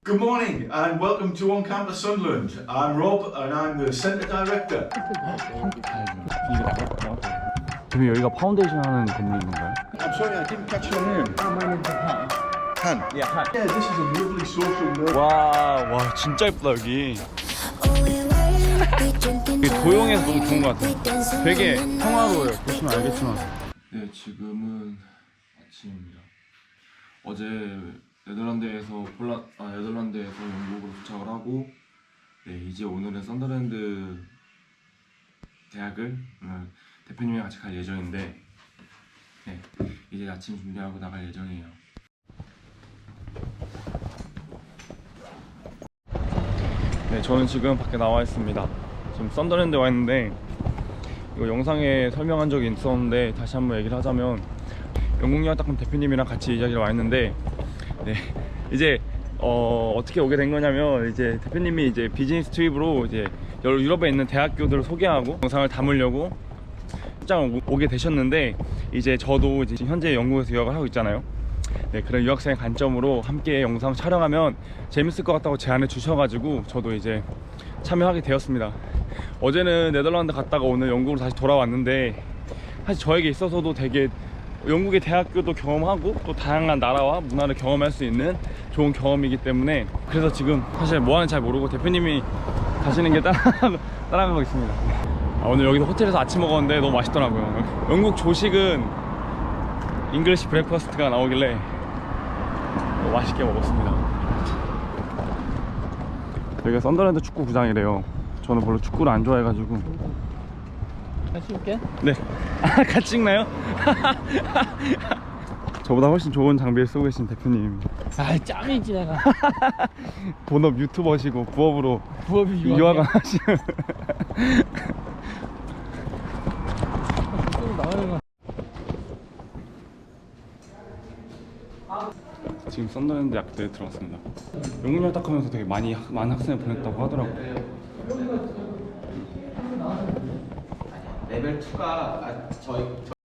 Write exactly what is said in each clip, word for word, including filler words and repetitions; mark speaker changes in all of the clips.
Speaker 1: Good morning and welcome to On Campus Sunderland. I'm Rob and I'm the Centre Director.
Speaker 2: 지금 여기가 파운데이션 하는 건물인 건가요?
Speaker 1: I'm sorry, I didn't catch your name.
Speaker 3: My name is Han.
Speaker 1: Han.
Speaker 3: Yeah, Han.
Speaker 1: Yeah, this is a lovely social network.
Speaker 2: 와, 와 진짜 예쁘다 여기. 여기 도용해서 너무 좋은 것 같아요. 되게 평화로워요. 보시면 알겠지만.
Speaker 4: 네, 지금은 아침입니다. 어제 네덜란드에서 폴라 아 네덜란드에서 영국으로 도착을 하고, 네 이제 오늘은 썬더랜드 대학을 오늘 대표님이랑 같이 갈 예정인데, 네 이제 아침 준비하고 나갈 예정이에요.
Speaker 2: 네, 저는 지금 밖에 나와 있습니다. 지금 썬더랜드에 와 있는데, 이거 영상에 설명한 적이 있었는데 다시 한번 얘기를 하자면, 영국영화탁금 대표님이랑 같이 이 자리에 와 있는데, 네 이제 어, 어떻게 오게 된 거냐면, 이제 대표님이 이제 비즈니스 트립으로 이제 여러 유럽에 있는 대학교들을 소개하고 영상을 담으려고 출장 오게 되셨는데, 이제 저도 이제 현재 영국에서 유학을 하고 있잖아요. 네, 그런 유학생의 관점으로 함께 영상 촬영하면 재밌을 것 같다고 제안해 주셔가지고 저도 이제 참여하게 되었습니다. 어제는 네덜란드 갔다가 오늘 영국으로 다시 돌아왔는데, 사실 저에게 있어서도 되게 영국의 대학교도 경험하고 또 다양한 나라와 문화를 경험할 수 있는 좋은 경험이기 때문에, 그래서 지금 사실 뭐 하는지 잘 모르고 대표님이 가시는 게 따라가고, 따라가고 있습니다. 아, 오늘 여기서 호텔에서 아침 먹었는데 너무 맛있더라고요. 영국 조식은 잉글리시 브렉퍼스트가 나오길래 너무 맛있게 먹었습니다. 여기가 썬더랜드 축구구장이래요. 저는 별로 축구를 안 좋아해가지고.
Speaker 3: 같이 올게.
Speaker 2: 네. 아, 같이 찍나요? 저보다 훨씬 좋은 장비를 쓰고 계신 대표님.
Speaker 3: 아, 짬이지 내가.
Speaker 2: 본업 유튜버시고 부업으로
Speaker 3: 부업이
Speaker 2: 유학을 하시는.
Speaker 3: 나가는 거.
Speaker 2: 지금 썬더랜드 약대에 들어왔습니다. 영국영화탁하면서 되게 많이 학, 많은 학생을 보냈다고 하더라고요.
Speaker 5: 레벨 이가 아, 저희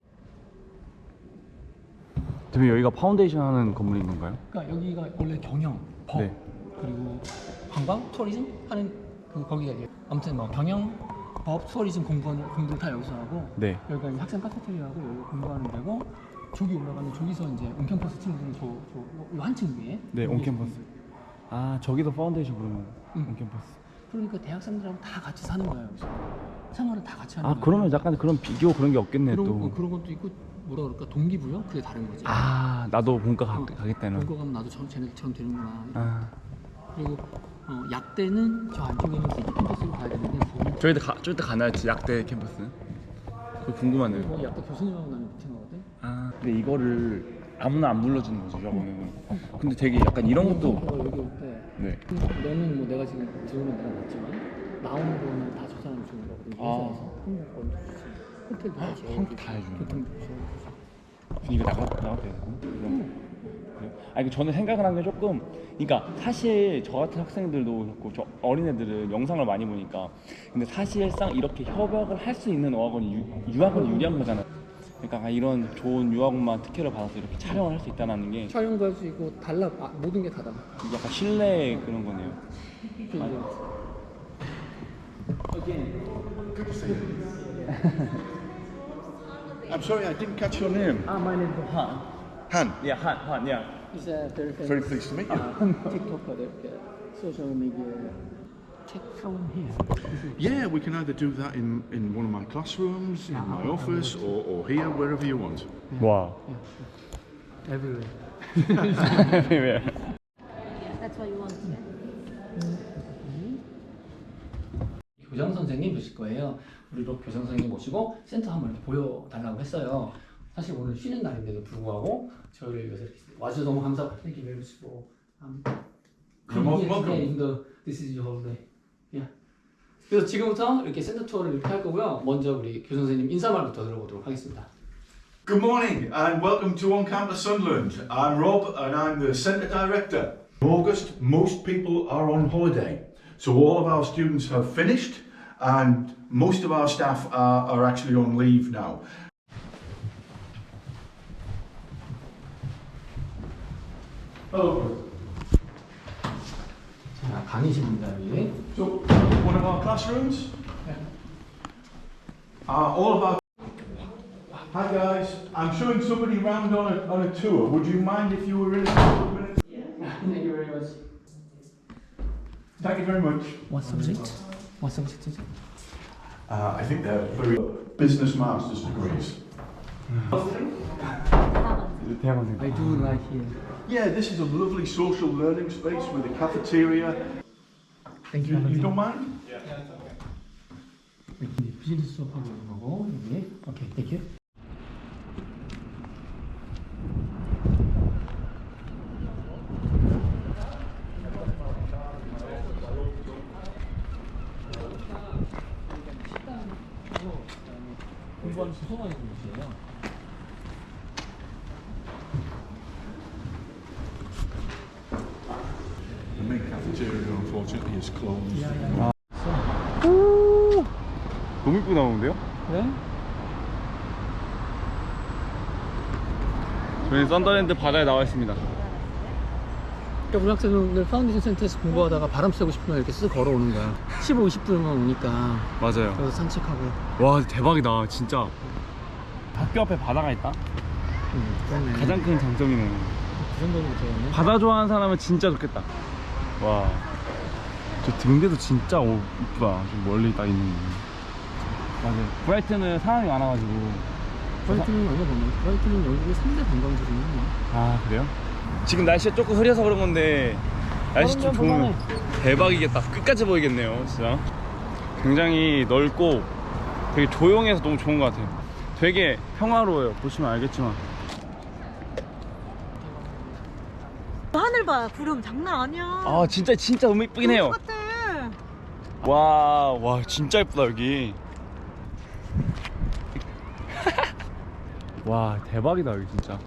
Speaker 2: 대표님, 여기가 파운데이션 하는 건물인 건가요?
Speaker 3: 그러니까 여기가 원래 경영, 법,
Speaker 2: 네.
Speaker 3: 그리고 관광, 투어리즘 하는 그 거기가 이제 아무튼 뭐 경영, 법, 투어리즘 공부하는 공부를 다 여기서 하고,
Speaker 2: 네.
Speaker 3: 여기가 이제 학생 카페테리아하고 여기 공부하는 데고, 저기 올라가면 저기서 이제 온캠퍼스 친구들은 저저 한층 위에.
Speaker 2: 네, 온캠퍼스. 아, 저기서 파운데이션 그러면
Speaker 3: 응.
Speaker 2: 온캠퍼스.
Speaker 3: 그러니까 대학생들하고 다 같이 사는 거야 여기서. 생활을 다 같이 하는
Speaker 2: 아,
Speaker 3: 거야.
Speaker 2: 그러면 약간 그런 비교 그런 게 없겠네
Speaker 3: 그런,
Speaker 2: 또.
Speaker 3: 어, 그런 것도 있고, 뭐라 그럴까, 동기부여? 그게 다른 거지.
Speaker 2: 아, 나도 본과 가,
Speaker 3: 어,
Speaker 2: 가겠다는.
Speaker 3: 본과 가면 나도 저, 쟤네들처럼 되는구나.
Speaker 2: 아,
Speaker 3: 그리고 어, 약대는 저 안쪽에 있는 시티 캠퍼스로 가야 되는데, 거기
Speaker 2: 저희 때 가, 저희 때 가나요? 약대 캠퍼스는? 그거 궁금하네요.
Speaker 3: 뭐 약대 교수님하고 나는 미팅하거든.
Speaker 2: 아, 근데 이거를 아무나 안 불러주는 거죠, 저거는. 근데 되게 약간 이런 것도.
Speaker 3: 어, 여기 올 때,
Speaker 2: 네.
Speaker 3: 너는 뭐 내가 지금 들어오면 내가 맞지만 나오는 거는 다 저 사람이 주는 거거든.
Speaker 2: 아.
Speaker 3: 회사에서 한국 먼저 주지. 호텔도 다 줘.
Speaker 2: 한국 다 해주는
Speaker 3: 교통도 줘.
Speaker 2: 이거 나가 나가도 되고. 그래요? 아니, 저는 생각을 한 게 조금, 그러니까 사실 저 같은 학생들도 그렇고 저 어린애들은 영상을 많이 보니까, 근데 사실상 이렇게 협약을 할 수 있는 어학원이 유, 유학원이 유리한 거잖아요. 그러니까 이런 좋은 유학원만 특혜를 받아서 이렇게 촬영을 할 수 있다는 게
Speaker 3: 촬영도 할 수 있고 달라. 아, 모든 게 다다.
Speaker 2: 약간 신뢰 그런 거네요.
Speaker 1: I'm sorry, I didn't catch your name.
Speaker 3: Ah, my name is Han.
Speaker 1: Han.
Speaker 2: Yeah, Han, Han, yeah.
Speaker 3: He's a very famous
Speaker 1: Very pleased to meet you.
Speaker 3: uh, TikToker, like, uh, social media. Take from here.
Speaker 1: Yeah, we can either do that in, in one of my classrooms, in my office, or, or here, wherever you want.
Speaker 2: 와.
Speaker 3: Everywhere.
Speaker 6: That's what you want, yeah?
Speaker 3: 교장 선생님 뵈실 거예요. 우리도 교장 선생님 모시고 센터 한번 이렇게 보여달라고 했어요. 사실 오늘 쉬는 날인데도 불구하고 저희를 위해서 이렇게 와주셔서 너무 감사하고, thank you very much for um, coming here today, even though this is your holiday. Yeah. 그래서 지금부터 이렇게 센터 투어를 이렇게 할 거고요. 먼저 우리 교장 선생님 인사말부터 들어보도록 하겠습니다.
Speaker 1: Good morning and welcome to On Campus Sunderland. I'm Rob and I'm the Centre Director. In August, most people are on holiday. So all of our students have finished and most of our staff are, are actually on leave now. Hello.
Speaker 3: 강의실입니다 여기.
Speaker 1: So, one of our classrooms.
Speaker 3: Yeah.
Speaker 1: Uh, all of our. Hi guys, I'm showing somebody around on a, on a tour. Would you mind if you were in a couple of minutes?
Speaker 3: Thank you very much.
Speaker 1: Thank you very much.
Speaker 3: What subject? What subject is it?
Speaker 1: Uh, I think they're very business masters degrees.
Speaker 2: 대학원생.
Speaker 3: I do like here.
Speaker 1: Yeah, this is a lovely social learning space with a cafeteria.
Speaker 3: Thank you.
Speaker 1: You, you don't mind?
Speaker 3: 이렇게 비즈니스 수업하고 있는 거고 여기. 오케이, thank you. 공부하는 수소만 있는 곳이에요.
Speaker 1: The main cafeteria, unfortunately, is closed.
Speaker 3: 야야야.
Speaker 2: 너무 이쁘게 나오는데요?
Speaker 3: 네?
Speaker 2: 저희 썬더랜드 바다에 나와 있습니다.
Speaker 3: 그러니까 우리 학생들 파운데이션 센터에서 공부하다가 바람 쐬고 싶으면 이렇게 쓱 걸어오는 거야. 십오, 이십 분만 오니까
Speaker 2: 맞아요.
Speaker 3: 그래서 산책하고.
Speaker 2: 와 대박이다 진짜. 학교 앞에 바다가 있다.
Speaker 3: 음, 그러네.
Speaker 2: 가장 큰 장점이네.
Speaker 3: 그 정도는 되겠네.
Speaker 2: 바다 좋아하는 사람은 진짜 좋겠다. 와. 저 등대도 진짜 오, 이쁘다. 좀 멀리 딱 있는. 맞아요. 브라이튼은 사람이 많아가지고.
Speaker 3: 브라이튼은 얼마 보면 브라이튼은 영국의 삼 대 관광지 중에 하나야.
Speaker 2: 아 그래요? 지금 날씨가 조금 흐려서 그런 건데 날씨 좀 좋으면 대박이겠다. 끝까지 보이겠네요 진짜. 굉장히 넓고 되게 조용해서 너무 좋은 것 같아요. 되게 평화로워요. 보시면 알겠지만.
Speaker 6: 하늘 봐, 구름 장난 아니야.
Speaker 2: 아 진짜 진짜 너무 이쁘긴 해요.
Speaker 6: 똑같아.
Speaker 2: 와, 와 진짜 예쁘다 여기. 와 대박이다 여기 진짜.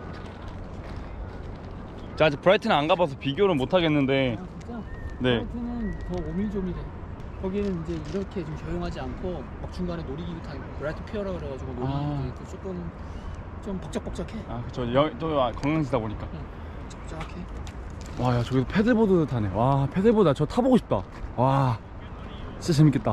Speaker 2: 자 아직 브라이튼은 안 가봐서 비교를 못 하겠는데.
Speaker 3: 아 진짜?
Speaker 2: 네.
Speaker 3: 브라이튼은 더 오밀조밀해. 거기는 이제 이렇게 좀 조용하지 않고 막 중간에 놀이기구 타고 브라이튼 피어라 그래가지고 놀이기구
Speaker 2: 아.
Speaker 3: 조금 좀 벅적벅적해.
Speaker 2: 아 그쵸. 여, 또 관광지다 보니까.
Speaker 3: 벅적해.
Speaker 2: 와 야 저기서 패들보드 타네. 와 패들보드 저 타보고 싶다. 와 진짜 재밌겠다.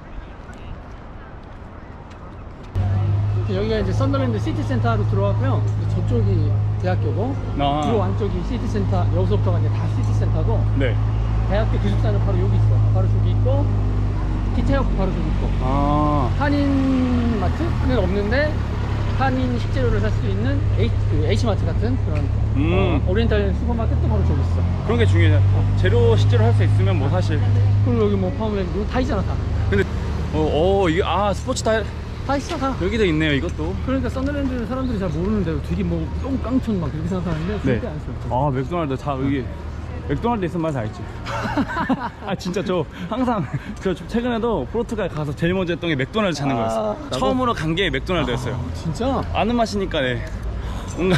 Speaker 3: 여기가 이제 썬더랜드 시티센터로 들어왔고요. 저쪽이 대학교고,
Speaker 2: 아.
Speaker 3: 이 안쪽이 시티센터, 여기서부터가 이제 다 시티센터고,
Speaker 2: 네.
Speaker 3: 대학교 기숙사는 바로 여기 있어. 바로 저기 있고, 기차역도 바로 저기 있고.
Speaker 2: 아.
Speaker 3: 한인마트는 없는데 한인 식재료를 살 수 있는 H, 그 H마트 같은 그런
Speaker 2: 음.
Speaker 3: 어, 오리엔탈 슈퍼마켓도 바로 저기 있어.
Speaker 2: 그런 게 중요해요. 재료 실제로 할 수 있으면 뭐 사실.
Speaker 3: 그리고 여기 뭐 파워랜드 다 있잖아 다.
Speaker 2: 근데 어, 어 이게 아 스포츠 타일
Speaker 3: 다 있어 다.
Speaker 2: 여기도 있네요 이것도.
Speaker 3: 그러니까 썬더랜드 사람들이 잘 모르는데 되게 뭐 똥깡촌 막 그렇게 생각하는데
Speaker 2: 네.
Speaker 3: 절대 안 써.
Speaker 2: 아 맥도날드 다 여기 맥도날드 있으면 말 다 있지. 아 진짜 저 항상 저 최근에도 포르투갈 가서 제일 먼저 했던 게 맥도날드 찾는
Speaker 3: 아,
Speaker 2: 거였어.
Speaker 3: 나도?
Speaker 2: 처음으로 간 게 맥도날드였어요.
Speaker 3: 아, 진짜?
Speaker 2: 아는 맛이니까 네. 뭔가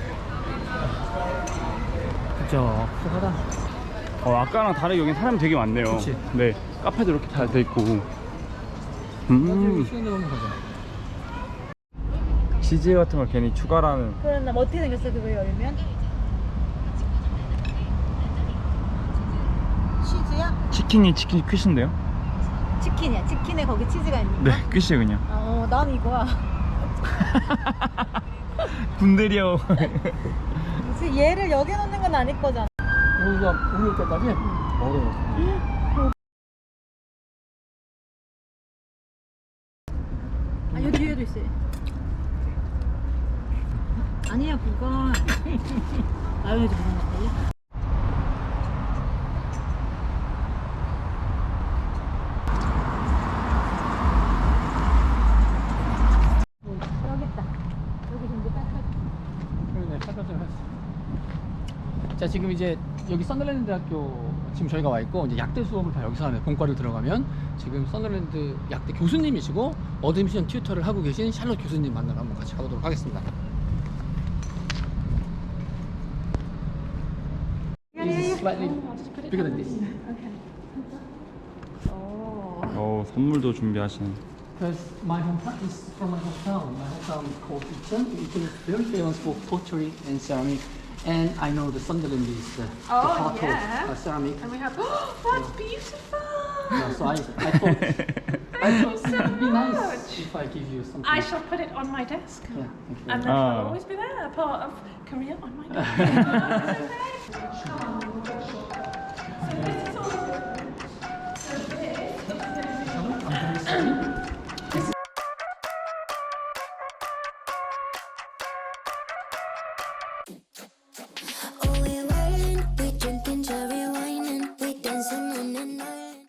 Speaker 3: 그쵸. 푸하다.
Speaker 2: 어, 아까랑 다르게 여기 사람이 되게 많네요.
Speaker 3: 그치.
Speaker 2: 네 카페도 이렇게 잘 돼 있고.
Speaker 3: 나중에
Speaker 2: 음
Speaker 3: 시간 되면 가자.
Speaker 2: 치즈 같은 걸 괜히 추가라는.
Speaker 6: 그럼 나 어떻게 생겼어 그거 열면? 치즈야?
Speaker 2: 치킨이 치킨 퀴신데요?
Speaker 6: 치킨이야. 치킨에 거기 치즈가 있는
Speaker 2: 네
Speaker 6: 거야?
Speaker 2: 퀴시 그냥.
Speaker 6: 어, 난 이거야.
Speaker 2: 군대리요.
Speaker 6: 그래서 얘를 여기 놓는 건 아닐 거잖아.
Speaker 3: 여기가 오늘 때까지 어려워.
Speaker 6: 아, 여기 뒤에도 있어. 아니야, 그건. 마요네즈 무슨 맛이야? 여기 있다. 여기 좀 닦아.
Speaker 3: 그러네, 닦아줘야 했어. 자, 지금 이제 여기 썬더랜드 대학교 지금 저희가 와 있고 이제 약대 수업을 다 여기서 하는 본과를 들어가면 지금 썬더랜드 약대 교수님이시고 어드미션 튜터를 하고 계신 샬롯 교수님 만나러 한번 같이 가보도록 하겠습니다. This is slightly bigger than this.
Speaker 2: 어 선물도 준비하시네.
Speaker 3: Because my hometown is from my hometown. My hometown is called Icheon. Icheon is very famous for pottery and ceramic. And I know the Sunderland is the, the
Speaker 7: Oh,
Speaker 3: heart
Speaker 7: yeah.
Speaker 3: of uh, ceramic.
Speaker 7: And we have, oh, that's beautiful.
Speaker 3: Yeah, so I, I thought, I
Speaker 7: Thank
Speaker 3: thought
Speaker 7: you so
Speaker 3: it would be nice
Speaker 7: much.
Speaker 3: if I give you something.
Speaker 7: I shall put it on my desk.
Speaker 3: Yeah, thank you.
Speaker 7: And then
Speaker 2: Ah.
Speaker 7: it will always be there, a part of Korea on my desk.